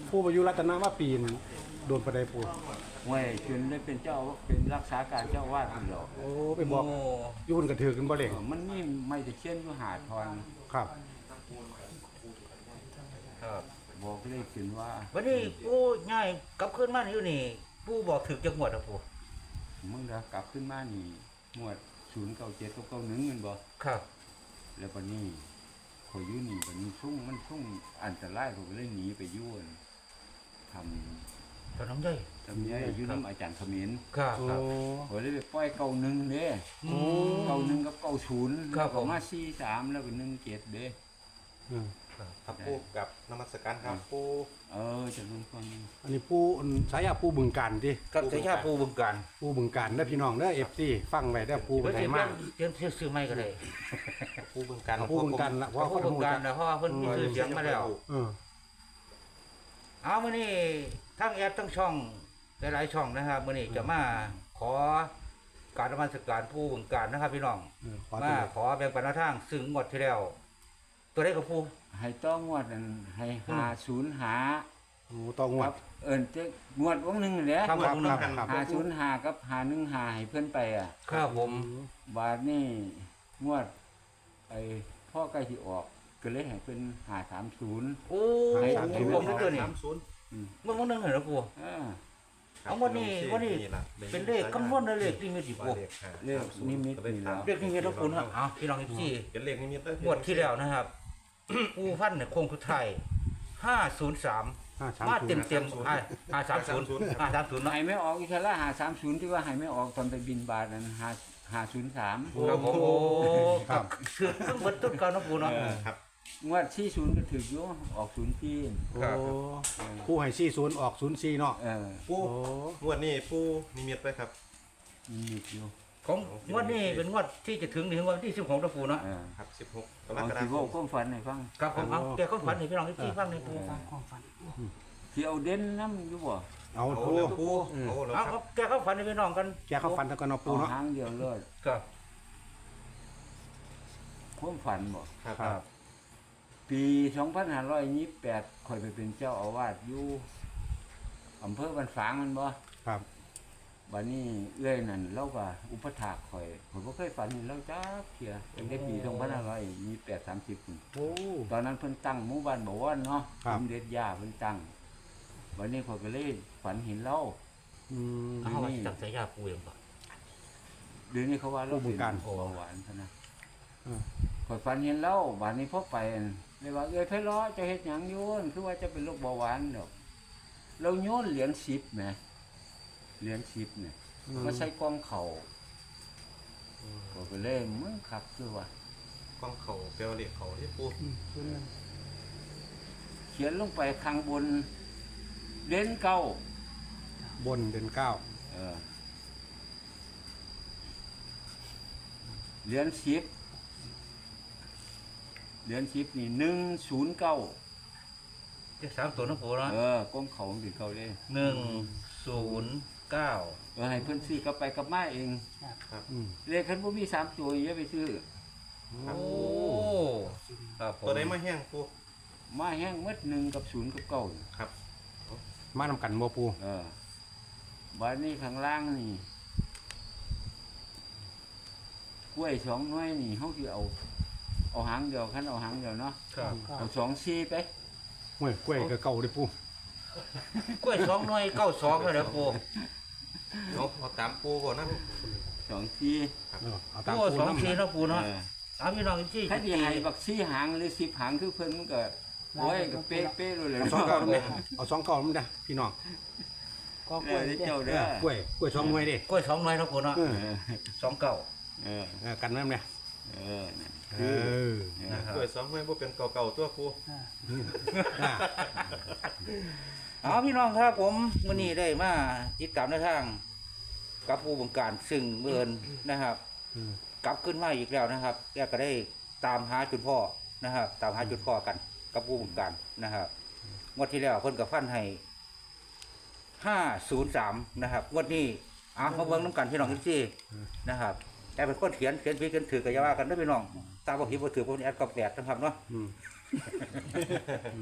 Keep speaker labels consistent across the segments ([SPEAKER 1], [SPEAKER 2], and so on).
[SPEAKER 1] ผู้ประยุรัตนว่าปีนโดนประเดปู
[SPEAKER 2] เว้ยจนได้เป็นเจ้าเป็นรักษาการเจ้าวาดคนหรอก
[SPEAKER 1] โอ้ไปบอกอยุ่นกระถือกันบ่เล่ง
[SPEAKER 2] มันนี่ไม่จะเช่นอยู่หาทอน
[SPEAKER 1] ครับ
[SPEAKER 3] ครับ
[SPEAKER 2] บอกเลยขึ้นว่า
[SPEAKER 4] วันนี้ปู่ง่ายกลับขึ้นมาอยู่นี่ปู่บอกถึกจังหวัดอ่ะปู่
[SPEAKER 2] มึงจะกลับขึ้นมานี่หมวด097กับ91เงินบ่
[SPEAKER 4] ครับ
[SPEAKER 2] แล้ววันนี้ขอยอยู่นี่วันนี้ซุ่งมันซุ่งอันตรายผมเลยหนีไปยุ่นท
[SPEAKER 4] ตอนน้องใหญ่
[SPEAKER 2] ำทำนี้อยู่น้ำอาจารย์เขมิ้น
[SPEAKER 4] ครับ
[SPEAKER 1] โอ้
[SPEAKER 4] ครับ
[SPEAKER 2] ผมเลยไปปล่อย91เด้
[SPEAKER 4] โอ้
[SPEAKER 2] 91กับ90
[SPEAKER 4] ครับผม
[SPEAKER 2] มา43แล้วก็17เด้
[SPEAKER 1] อืม
[SPEAKER 3] ครับปูกับนมัสการครับปู
[SPEAKER 2] จะรู้ฟัง
[SPEAKER 1] อันนี้ปูสายาปูบึงการดิ
[SPEAKER 4] กับเสียชาปู่บึงการ
[SPEAKER 1] ปูบึงการเด้อพี่น้องเด้อ FC ฟังไว้เด้อปู
[SPEAKER 4] เดี๋
[SPEAKER 1] เป็
[SPEAKER 4] ยวน
[SPEAKER 1] ไง
[SPEAKER 4] สิ
[SPEAKER 1] มาก
[SPEAKER 4] เตรียมซื้อไม่ก็ได้
[SPEAKER 3] ปูบึงการ
[SPEAKER 1] เอาปูบึงการละเพราะ
[SPEAKER 4] ปู่
[SPEAKER 1] เขา
[SPEAKER 4] บึ
[SPEAKER 1] พู
[SPEAKER 4] ง
[SPEAKER 1] ด
[SPEAKER 4] การนะเพราะว่าเพิ่นมีชื่อเสียงมาแล้ว
[SPEAKER 1] เออ
[SPEAKER 4] เอามื้อนี้ทั้งแอปทั้งช่องหลายๆช่องนะครับมื้อนี้จะมาขอการนมัสการปู่บึงการนะครับพี่น้อง
[SPEAKER 1] ขอ
[SPEAKER 4] มา
[SPEAKER 1] ตัว
[SPEAKER 4] ขอแบ่งปันแนวทางซึ่งงวดที่แล้ว ตัวได้กับปู่
[SPEAKER 2] ให้ต้องงวดนั้นให้50หา
[SPEAKER 1] โอ้ต้องงว
[SPEAKER 2] ครั
[SPEAKER 1] ด
[SPEAKER 2] บจะงวดวงหนึงแหละ
[SPEAKER 4] ครับ
[SPEAKER 1] ครับ
[SPEAKER 2] 505กับ515ให้เพิ่นไปอ่ะ
[SPEAKER 4] ครับผม
[SPEAKER 2] บาทนี่งวดไอ้พ่อใกล้ที่ออกก็เลยให้เป็น530
[SPEAKER 4] โอ้
[SPEAKER 2] ให้
[SPEAKER 4] ยผมนึกตัวนี้
[SPEAKER 3] 30
[SPEAKER 4] เมื่อวันนึงเห็นแล้วปู่ เอาวันนี้เป็นเลขคำนวณในเลขที่มีสิบปู่
[SPEAKER 2] เลขนิมิตนี่แล้ว
[SPEAKER 4] เลขที่มีแล้วปู่นะเอาพี่น้องที่
[SPEAKER 3] เป็นเลขนิมิต
[SPEAKER 4] งวดที่แล้วนะครับปู่พันเนี่ยโคงสุดท้าย503มาเต็ม530เนาะ
[SPEAKER 2] ให้ไม่ออกอีกแล้ว530ที่ว่าให้ไม่ออกตอนไปบินบาทนั้น503
[SPEAKER 4] ครับผมโอ้
[SPEAKER 1] ครับ
[SPEAKER 4] คือเพิ่งเบิดต้นเก่านะปู่เนาะ
[SPEAKER 3] ครับ
[SPEAKER 2] งวด40ก็ถึกอยู่ออก0ที่
[SPEAKER 1] โอ้ผู้ให้40ออก04เนาะ
[SPEAKER 3] ปู
[SPEAKER 1] โอ้
[SPEAKER 3] งวดนี้ปูนิมิตไปครับ
[SPEAKER 2] นิมิตอยู่
[SPEAKER 4] ของงวดนี้เป็นงวดที่จะถึงงวดที่16นะปู่เนาะ
[SPEAKER 3] ครับ16ก
[SPEAKER 2] เอา
[SPEAKER 3] รกฎา
[SPEAKER 2] สิ
[SPEAKER 3] ค
[SPEAKER 2] เว้าม ความฝันให้ฟัง
[SPEAKER 4] ครับผมเอาแกก็ฝันให้พี่น้องที่ฟังในปู่
[SPEAKER 2] ที่เอาเด่นนำอยู่บ่
[SPEAKER 1] เอา
[SPEAKER 3] เอา
[SPEAKER 1] ปู
[SPEAKER 3] แล้วปูเอาแล้ว
[SPEAKER 4] เอา
[SPEAKER 3] ครับ
[SPEAKER 4] แกก็ฝันให้พี่น้องกัน
[SPEAKER 1] แกเข้าฟันตะกันเอาปู
[SPEAKER 2] เอา
[SPEAKER 1] เนาะ
[SPEAKER 2] หางเดียวเลย
[SPEAKER 4] ครับ
[SPEAKER 2] ความฝันบ่
[SPEAKER 3] ครับ
[SPEAKER 1] ครับ
[SPEAKER 2] ปี2528ข่อยไปเป็นเจ้าอาวาสอยู่อำเภอบ้านฝางมันบ่
[SPEAKER 1] ครับ
[SPEAKER 2] บัดนี้เอื้อยนั่นเราก็อุปถากข่อยบ่เคยฝันเห็นเราจักเที่ยตั้งแต่ปี2528 30พุ่น
[SPEAKER 1] โอ้
[SPEAKER 2] ตอนนั้นเพิ่นตั้งหมู่บ้านบ่วอนเนาะ
[SPEAKER 1] ครับ
[SPEAKER 2] สมเด็จย่าเพิ่นตั้งบัดนี้ข่อยก็เลยฝันเห็นเรา
[SPEAKER 1] อืม
[SPEAKER 4] เอาไว้จับสายยาปู่เองป่ะ
[SPEAKER 2] เดี๋ยวนี้เขาว่าเรา
[SPEAKER 1] ผู้บ
[SPEAKER 2] เป็
[SPEAKER 1] ง
[SPEAKER 2] น
[SPEAKER 1] การ
[SPEAKER 2] เบาหวานซะนะ
[SPEAKER 1] อืม
[SPEAKER 2] ข่อยฝันเห็นเราบัดนี้พอไปเลยว่าเอ้ยไผล้อจะเฮ็ดหยังโยนคือว่าจะเป็นโรคเบาหวานดอกเราโยนเหรียญ10แหมเหรียญ10เนี่ย มาใส่กล้องเขาก็เลยมึงขับคือว่า
[SPEAKER 3] กล้องเขาเปลวเลขเขาที่ปู
[SPEAKER 2] เขียนลงไปข้างบนเด่นเก้า
[SPEAKER 1] บนเด่นเก้า
[SPEAKER 2] เออเหรียญ10เหรียญ10นี่109
[SPEAKER 4] เลข3ตัวนะปู่เนาะ
[SPEAKER 2] กล้องเขาสิเขาเลย
[SPEAKER 4] 109
[SPEAKER 2] ให้เพิ่นซื้อกลับไปกลับมาเอง
[SPEAKER 1] อืม
[SPEAKER 2] เลขคันบ่มี3ตัวอย่าไปซื้อ
[SPEAKER 4] โอ้ครับผม
[SPEAKER 3] ตัวไหนมาแห้งปู
[SPEAKER 2] มาแห้งหมด1กับ0กับ9
[SPEAKER 3] ครับ
[SPEAKER 1] มานำกันบ่ปู
[SPEAKER 2] บัดนี้ข้างล่างนี่กล้วย2หน่วยนี่เฮาสิเอาหางเดียวคันเอาหางเดียวเนาะ
[SPEAKER 4] ครับ
[SPEAKER 2] เอา2ซี่ไป
[SPEAKER 1] ห้วยกล้วยก็เก่าดิปู
[SPEAKER 4] กล้วย2หน่วย92แล้วเด้อปู่
[SPEAKER 3] เอาตามปูก่อนนะ
[SPEAKER 2] 2ซี่
[SPEAKER 1] เอาตาม
[SPEAKER 4] โอ้
[SPEAKER 1] ปู
[SPEAKER 4] สอง
[SPEAKER 1] น้ำ
[SPEAKER 4] ทีเนาะปู่เนาะเอาพี่น้องที่
[SPEAKER 2] ถ้าสิให้บักซี่หางหรือ10หางคือเพิ่นมันก็โอ้ยก็เป๊ะๆเลย
[SPEAKER 1] เอาสองเก่าน้ำเนี่ยเอาสองเก่าน้ำเด้อพี่น้อง
[SPEAKER 2] ก็กล้วยเจ้าเด้อก
[SPEAKER 1] ล้วยสองหน่วยดิ
[SPEAKER 4] กล้วย2หน่วยเนาะปู่เนาะ
[SPEAKER 1] เออ
[SPEAKER 4] 29
[SPEAKER 2] เออ
[SPEAKER 1] กันน้ำเนี่ย
[SPEAKER 2] นั่น
[SPEAKER 1] เออ
[SPEAKER 3] เกิด2ห้วยบ่เป็นเก่าๆตัวปู
[SPEAKER 1] อ่า
[SPEAKER 4] เอาพี่น้องครับผมมื้อนี้ได้มาติดตามในทางกับผู้บงการซึ่งเบิ่นนะครับ
[SPEAKER 1] อืม
[SPEAKER 4] กลับขึ้นมาอีกแล้วนะครับแกก็ได้ตามหาจุดพ่อนะครับ ตามหาจุดพ่อกันกับผู้บงการนะครับงวดที่แล้วเพิ่นก็ฟันให้503นะครับงวดนี้มาเบิ่งน้ำกันพี่น้องที่นะครับแต่เป็นคนเขียนผิดกันถือก็อย่าว่ากันเด้อพี่น้องตามบ่ผิดบ่ถือพวกนี้แอดก็แปลกนะครับเนาะ
[SPEAKER 1] อืม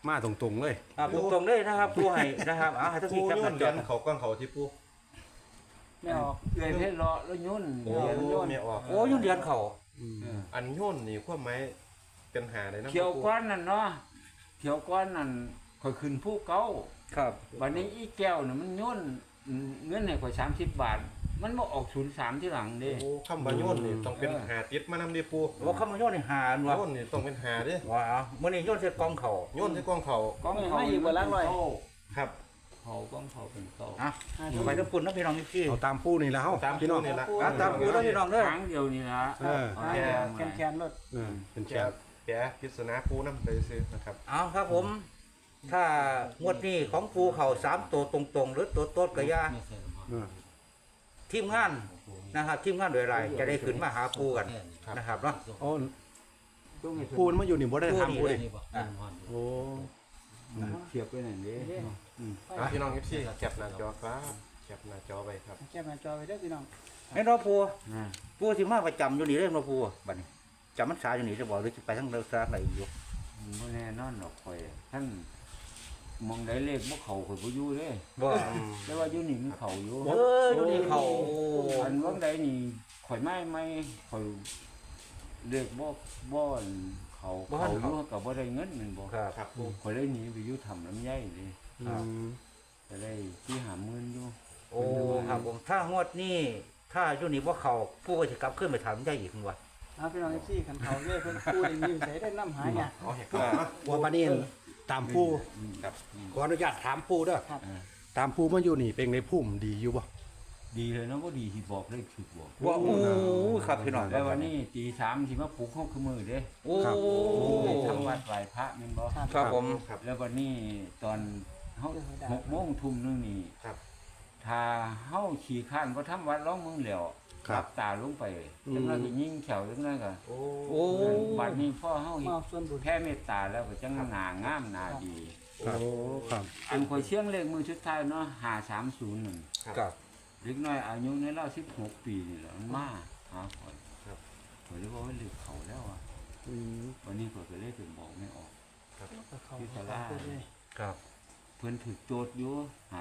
[SPEAKER 1] มาตรงๆเลย
[SPEAKER 4] ตรงๆเลยนะครับผู้ให้นะครับให้ทั้ง
[SPEAKER 3] ปู
[SPEAKER 4] ที่แคป
[SPEAKER 3] โย
[SPEAKER 4] ห
[SPEAKER 3] น
[SPEAKER 4] น้า
[SPEAKER 3] เห
[SPEAKER 4] จ
[SPEAKER 3] รี
[SPEAKER 4] อย
[SPEAKER 3] ญเขากล้องเขาที่ปู
[SPEAKER 5] ไม่ออก
[SPEAKER 2] เอื้อยเพชรเลาะแล้วยุ่น
[SPEAKER 3] โอ้
[SPEAKER 2] เหรียญ
[SPEAKER 3] ไม่ออก
[SPEAKER 4] โอ้ยุ่นเดือนเขา
[SPEAKER 2] เออ
[SPEAKER 3] อันโยนนี่ความหมายเป็นหาได้นะ
[SPEAKER 2] เขียวก้อนนั่นเนาะเขียวก้อนนั่นข่อยขึ้นผู้เก่า
[SPEAKER 4] ครับ
[SPEAKER 2] วันนี้อีแก้วน่ะมันยุ่นเงินให้ข่อย30 บาท มันบ่ออก03ที่หลังเด้
[SPEAKER 3] โอ้คำว่าโยนนี่ต้องเป็นหาติดมานำดิปู
[SPEAKER 4] ว่าคำว่ายุ่นนี่หาอันวะ
[SPEAKER 3] โยนนี่ต้องเป็นหาเด้
[SPEAKER 4] ว้าวมื่อนี้ยุ่นเสร็จกองเขา
[SPEAKER 3] โยนที่กล้องเขา
[SPEAKER 2] กองเขาอยู่บนล่างลอย
[SPEAKER 3] ครับ
[SPEAKER 2] เขากองเขาเป็นเก่า
[SPEAKER 4] อ่ะไปทั้งปุ่นนะพี่น้องพี่
[SPEAKER 1] เอาตามปูนี่แล้ว
[SPEAKER 3] ตาม
[SPEAKER 1] พี่น้อง
[SPEAKER 3] นี่ละ
[SPEAKER 4] ตามปูแล้วพี่น้องเด้อ
[SPEAKER 2] ครั้งเดียวนี่ละ
[SPEAKER 1] เออ
[SPEAKER 5] แคนรถ
[SPEAKER 1] เป็นแช
[SPEAKER 3] แก
[SPEAKER 1] ร์
[SPEAKER 3] แกพิศนาปูน้ำไปซื้อนะครับ
[SPEAKER 4] เอาครับผม ถ้างวดนี้ของปูเขา3ตัวตรงๆ หรือตัวโต๊ดกระยาทีมงานนะครับทีมงานโดยไรจะได้ขึ้นมาหาปูกันนะครับเนาะ
[SPEAKER 1] โอ้ปูนมาอยู่นี่บ่ได้ทำปูดิโอ้
[SPEAKER 2] เทียบไปไหนเด้
[SPEAKER 3] พี่น้อง FC แคปหน้าจอครับแคปหน้าจอไว้ครับ
[SPEAKER 5] แคปหน้าจอไปเด้อพี่น้อง
[SPEAKER 4] ไอ้น้องปูปูสิมาประจำอยู่นี่เรื่องน้องปูบัดนี้จำมันสาอยู่นี่จะบอกหรือจะไปทั้งเรือซาไหนอยู่
[SPEAKER 2] บ่แน่นอนดอกข่อยท่านมองได้เลขบ่เข้าข่อยบ่อยู่เด้
[SPEAKER 4] ว่า
[SPEAKER 2] แต่ว่าอยู่นี่มันเข้าอยู่
[SPEAKER 4] อยู่นี่เขา
[SPEAKER 2] อันว่างใดนี่ข่อยไม่ข่อยเลขบ่อันเขาอยู่ก็บ่ได้เงินแม่นบ่
[SPEAKER 4] ครับ
[SPEAKER 3] ครับปู
[SPEAKER 2] ข่อยเลยหนีไปอยู่ทำลำไยเลย ก็ได้ที่หาเงินอยู่
[SPEAKER 4] โอ้ครับผมถ้างวดนี้ถ้าอยู่นี่ว่าเขาปูก็จะกลับขึ้นไปถามได้อีกคุณวะ
[SPEAKER 5] เอาพี่น้องเอฟซีขันเขาเย่เพิ่นพูดได้มีใส่ได้น้ำหายเนี่ย
[SPEAKER 3] เอาให้ครับ
[SPEAKER 1] ว่าบัดนี้ตามปู
[SPEAKER 3] ครับ
[SPEAKER 1] ขออนุญาตถามปูเด้อ
[SPEAKER 5] ครับ
[SPEAKER 1] ตามปูมาอยู่นี่เป็นในพุ่มดีอยู่บ่
[SPEAKER 2] ดีเลยนะบ่ดีที่บอกเลขถูกบอก
[SPEAKER 4] ว่าโอ้ครับพี่น้อง
[SPEAKER 2] แล้ววันนี้ตี3สิมาปลุกเฮาคือมื้อเด้
[SPEAKER 4] โอ้
[SPEAKER 2] ทำวัดไหว้พระแม่นบ่
[SPEAKER 4] ครับผม
[SPEAKER 3] ครับ
[SPEAKER 2] แล้ววันนี้ตอนเฮา6 โมงทุ่มนึงนี่
[SPEAKER 3] ครับ
[SPEAKER 2] ถ้าเฮาขี่ข้านบ่ทำวัดร้องมึงแล้วรับตาลงไปจังนั้นก็ยิงแขวจังนั้นก็
[SPEAKER 3] โอ้
[SPEAKER 4] โอ้
[SPEAKER 2] บัดนี้พ่อเฮา
[SPEAKER 5] มาส่วนบุญ
[SPEAKER 2] แผ่เมตตาแล้วก็จังหน้างามหน้าดี
[SPEAKER 1] ครับครับ
[SPEAKER 2] อันข่อยเชียงเลขมือสุดท้ายเนาะ530นั่น
[SPEAKER 4] ครับ
[SPEAKER 2] เล็กน้อยอายุในราว16 ปีนี่แหละมันมาหาข่อย
[SPEAKER 3] ครับ
[SPEAKER 2] ข่อยเลยว่าเลขเขาแล้วอ่ะวันนี้ข่อยก็เลยถึงบอกไม่ออก
[SPEAKER 5] เขาพูดเลย
[SPEAKER 4] ครับ
[SPEAKER 2] เพิ่นถูกโจทย์อยู่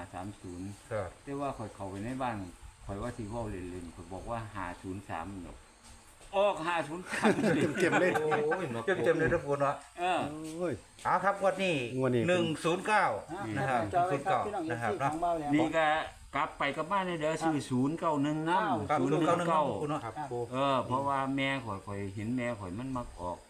[SPEAKER 2] 530
[SPEAKER 4] ครับ
[SPEAKER 2] แต่ว่าข่อยเข้าไปในบ้านข่อยว่าสิเว้าเล่นๆข่อยบอกว่า503ดอกออก503เลย
[SPEAKER 1] เก็บเลย
[SPEAKER 3] โอ้ยเนาะ
[SPEAKER 4] เต็มเลยทุกคนวะ
[SPEAKER 2] เออ
[SPEAKER 1] โอ้ย
[SPEAKER 4] เอาครับงวดนี้
[SPEAKER 1] งวดนี้
[SPEAKER 4] 109 นะครับ
[SPEAKER 5] จอไว้ครับพี่น้องเอฟ
[SPEAKER 4] นะครับ
[SPEAKER 5] ซี
[SPEAKER 4] เนาะ
[SPEAKER 5] ของเบาแล้ว
[SPEAKER 2] นี่ก็กลับไปกับบ้านในเด้อซื้อ091นำ
[SPEAKER 4] ครับ091ครับคุณ
[SPEAKER 2] 019
[SPEAKER 4] เนาะ
[SPEAKER 3] ครับปู
[SPEAKER 2] เพราะว่าแม่ข่อยเห็นแม่ข่อยมันมักออก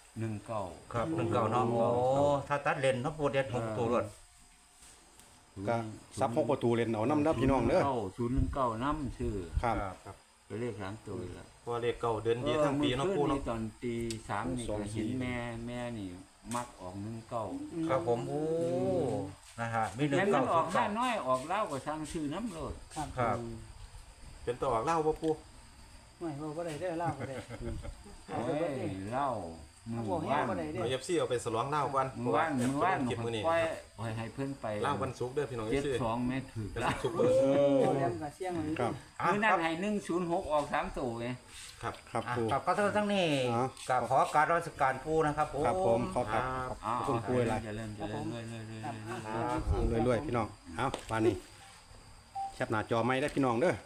[SPEAKER 2] 19
[SPEAKER 4] ครับ19เนาะโอ้ถ้าตัดเลนเนาะปูเด็ด6ตัวรถ
[SPEAKER 1] ก็ซับ6ประตูเล่นเอานำเด้อพี่น้องเด้อ
[SPEAKER 2] 019นำชื่อ
[SPEAKER 1] ครับ
[SPEAKER 3] ครับ
[SPEAKER 2] ไปเลข3ตัวแล้ว
[SPEAKER 3] เพราะว่าเลขเก่าเดือนดีทั้งปีเนาะปูเนาะ
[SPEAKER 2] ตอนตี3นี่ก็เห็นแม่นี่มักออก19
[SPEAKER 4] ครับผมโอ้นะฮะมี
[SPEAKER 2] แม่มันออกห้า
[SPEAKER 4] 19
[SPEAKER 2] น้อยออกเล่าก็สร้างชื่อน้ำโลด
[SPEAKER 5] ครับ
[SPEAKER 4] ครับ
[SPEAKER 3] เป็นตัวออกเหล่าบ่ปู
[SPEAKER 5] ไม่บอกว่าได้เล่าก็ได้
[SPEAKER 2] โอ้ยเล่ามือ
[SPEAKER 5] บอกให้
[SPEAKER 2] ว่าน
[SPEAKER 5] ว่าได้เด้
[SPEAKER 3] เอา FC เอาไปสลองเหล่าก่อน
[SPEAKER 2] มือว่านมือว่าน
[SPEAKER 3] เก็บมื้อนี้
[SPEAKER 2] ปล่อยให้เพิ่นไป
[SPEAKER 3] เหล่าวันศุกร์เด้อพี่น้อง FC
[SPEAKER 2] 72แม่ถือ
[SPEAKER 3] เป็น
[SPEAKER 2] ละ
[SPEAKER 3] ซุปเปอร์
[SPEAKER 5] เรียนกับเสียงมัน
[SPEAKER 1] ครับ
[SPEAKER 2] มือนั้นให้106ออก3ตัวไง
[SPEAKER 3] ครับ
[SPEAKER 1] ครับ
[SPEAKER 4] อ่ะ
[SPEAKER 1] ปู
[SPEAKER 4] กับก็ทั้งนี้
[SPEAKER 1] อ๋อ
[SPEAKER 4] กับขอการราชการปูนะครับผม
[SPEAKER 1] ครับผมขอครับ
[SPEAKER 2] อ้าว
[SPEAKER 1] ขอบคุณครูหลาย
[SPEAKER 2] จะเริ่มเรื่อย
[SPEAKER 1] เรื่อยๆพี่น้องเอาปานนี้แคปหน้าจอไม่ได้พี่น้องเด้อ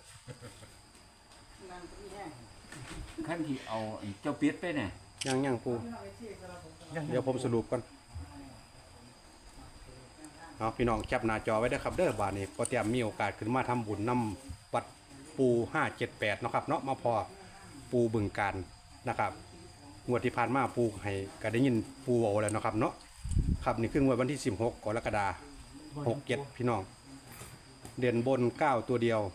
[SPEAKER 2] ๆขั้นที่เอาไอ้เจ้าเป็ดไปเนี่ย
[SPEAKER 1] ยังปูเดี๋ยวผมสรุปก่อนเอาพี่น้องแคปหน้าจอไว้เด้อครับเด้อบาดนี้พอเตรียมมีโอกาสขึ้นมาทำบุญนำวัดปู578เนาะครับเนาะมาพอปูบึงการนะครับงวดที่ผ่านมาปูให้ก็ได้ยินปูเว้าแล้วเนาะครับเนาะครับนี่คืองวดวันที่16กรกฎาคม67พี่น้องเด่นบน9ตัวเดียว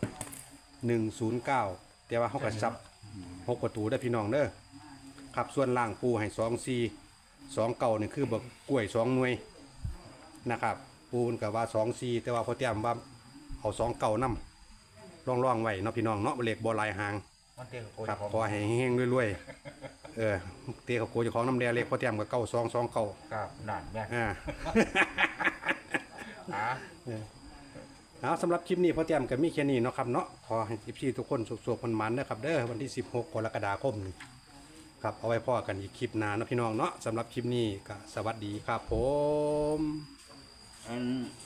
[SPEAKER 1] 109แต่ว่าเฮาก็ซับ6ประตูได้อพี่น้องเด้อครับส่วนล่างปูให้24 2เก่านี่คือบักกล้วย2หน่วยนะครับปูนก็ว่า24แต่ว่าพอเตรียมว่าเอา2เก่านำร่องๆไว้เนาะพี่น้องเนาะเลขบ่หลายหาง
[SPEAKER 4] มันเตียงโกย
[SPEAKER 1] ครับ
[SPEAKER 4] ของ
[SPEAKER 1] ขอให้เฮงๆรวยๆเตะเขาโกเจ้าของน้ำแดงเลขพอเตรียมกับ9229เก่า
[SPEAKER 4] ครับนั่นแม่
[SPEAKER 1] อ่า
[SPEAKER 4] อ่ะ
[SPEAKER 1] เอาสำหรับคลิปนี้พอเตรียมกับมีแค่นี้เนาะครับเนาะขอให้พี่ทุกคนสุขๆมันๆนะครับเด้อวันที่16กรกฎาคมนี้ครับเอาไว้พ่อกันอีกคลิปหน้าเนาะพี่น้องเนาะสำหรับคลิปนี้ก็สวัสดีครับผม
[SPEAKER 2] อัน